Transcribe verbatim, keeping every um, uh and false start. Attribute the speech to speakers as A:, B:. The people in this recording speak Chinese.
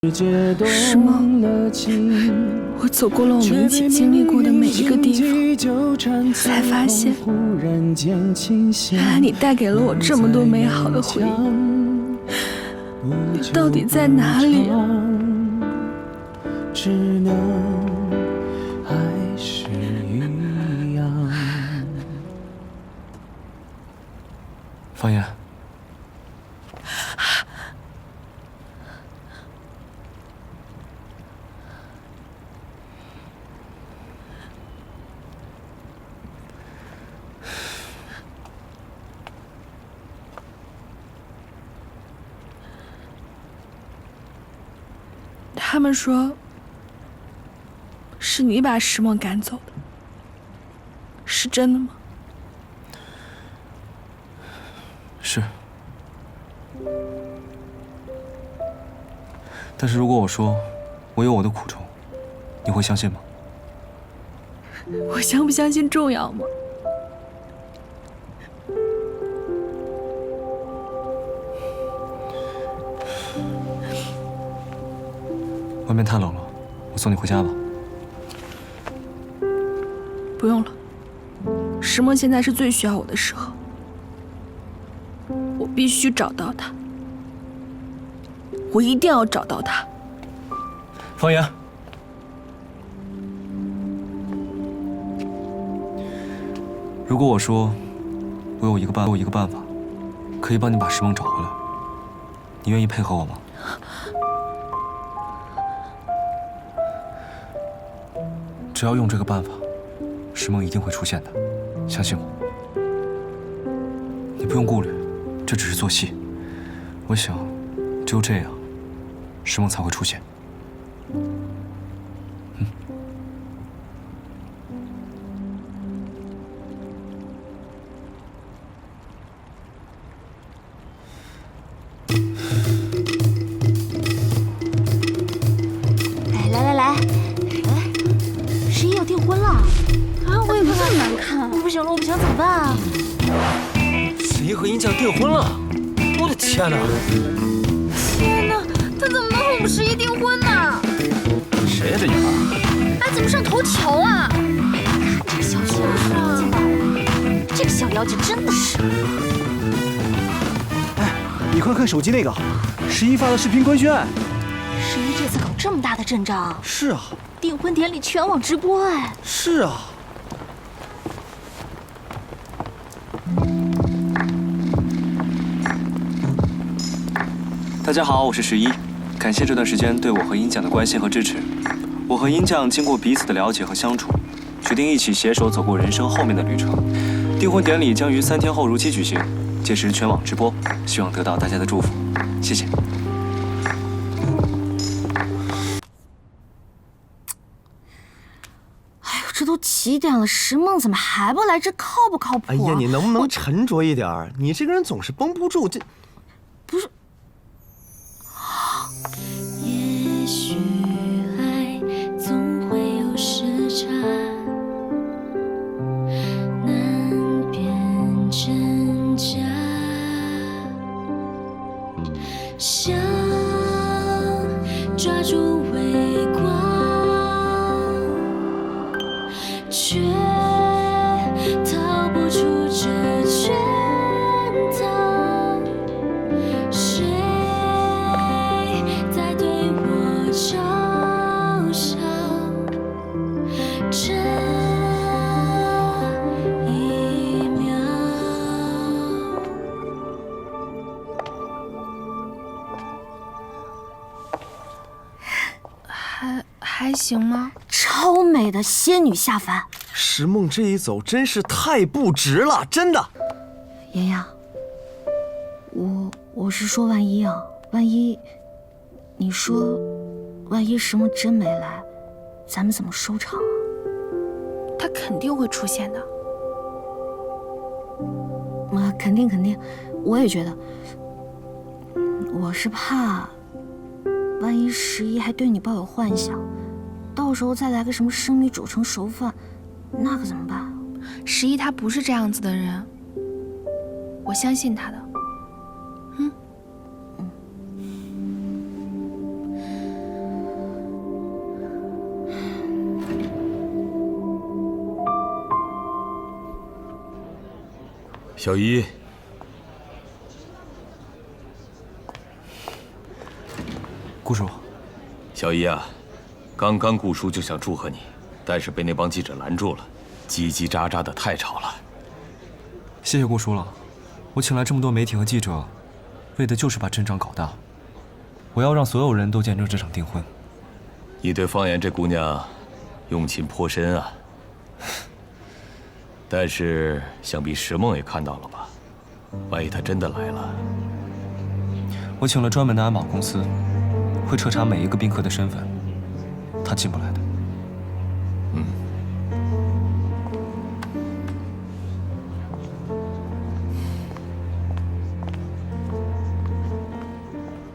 A: 是吗？我走过了我们一起经历过的每一个地方，才发现，原来你带给了我这么多美好的回忆。你到底在哪里啊？只能还是一样。
B: 方言。
A: 他们说，是你把石梦赶走的，是真的吗？
B: 是。但是如果我说我有我的苦衷，你会相信吗？
A: 我相不相信重要吗？
B: 外面太冷了，我送你回家吧。
A: 不用了，石梦现在是最需要我的时候，我必须找到他，我一定要找到他。
B: 方言，如果我说我有一个办，我有一个办法，可以帮你把石梦找回来，你愿意配合我吗？ 只要用这个办法，石梦一定会出现的，相信我。你不用顾虑，这只是做戏。我想，只有这样，石梦才会出现。嗯。
C: 哎，来来来。 订婚了啊！我也不这么难看，不行了，我不行，怎么办啊？
D: 十一和殷酱订婚了，我的天哪！
C: 天哪，他怎么能和我们十一订婚呢？
D: 谁呀这女孩？
C: 哎，怎么上头条啊？看这个消息啊，见到了，这个小妖精真的是。
E: 哎，你快看手机那个，十一发的视频官宣。
C: 十一这次搞这么大的阵仗。
E: 是啊。
C: 订婚典礼全网直播哎！
E: 是啊。
B: 大家好，我是十一，感谢这段时间对我和殷酱的关心和支持。我和殷酱经过彼此的了解和相处，决定一起携手走过人生后面的旅程。订婚典礼将于三天后如期举行，届时全网直播，希望得到大家的祝福，谢谢。
C: 这都几点了，石梦怎么还不来？这靠不靠谱啊？
D: 哎呀，你能不能沉着一点？你这个人总是绷不住，这
C: 不是。
F: 也许爱总会有时差，难辨真假，想抓住微光。 却逃不出这圈套，谁在对我嘲笑？这一秒，
A: 还还行吗？
C: 超美的仙女下凡，
D: 石梦这一走真是太不值了，真的。
C: 妍妍，我我是说万一啊，万一，你说，万一石梦真没来，咱们怎么收场啊？
A: 他肯定会出现的。
C: 啊，肯定肯定，我也觉得。我是怕，万一十一还对你抱有幻想。 到时候再来个什么生米煮成熟饭，那可怎么办？
A: 十一他不是这样子的人，我相信他的。嗯，嗯。
D: 小姨，
B: 顾叔，
D: 小姨啊，刚刚顾叔就想祝贺你，但是被那帮记者拦住了，叽叽喳喳的太吵了。
B: 谢谢顾叔了，我请来这么多媒体和记者，为的就是把阵仗搞大。我要让所有人都见证这场订婚。
D: 你对方言这姑娘用情颇深啊。但是想必石梦也看到了吧？万一她真的来了，
B: 我请了专门的安保公司，会彻查每一个宾客的身份，他进不来的。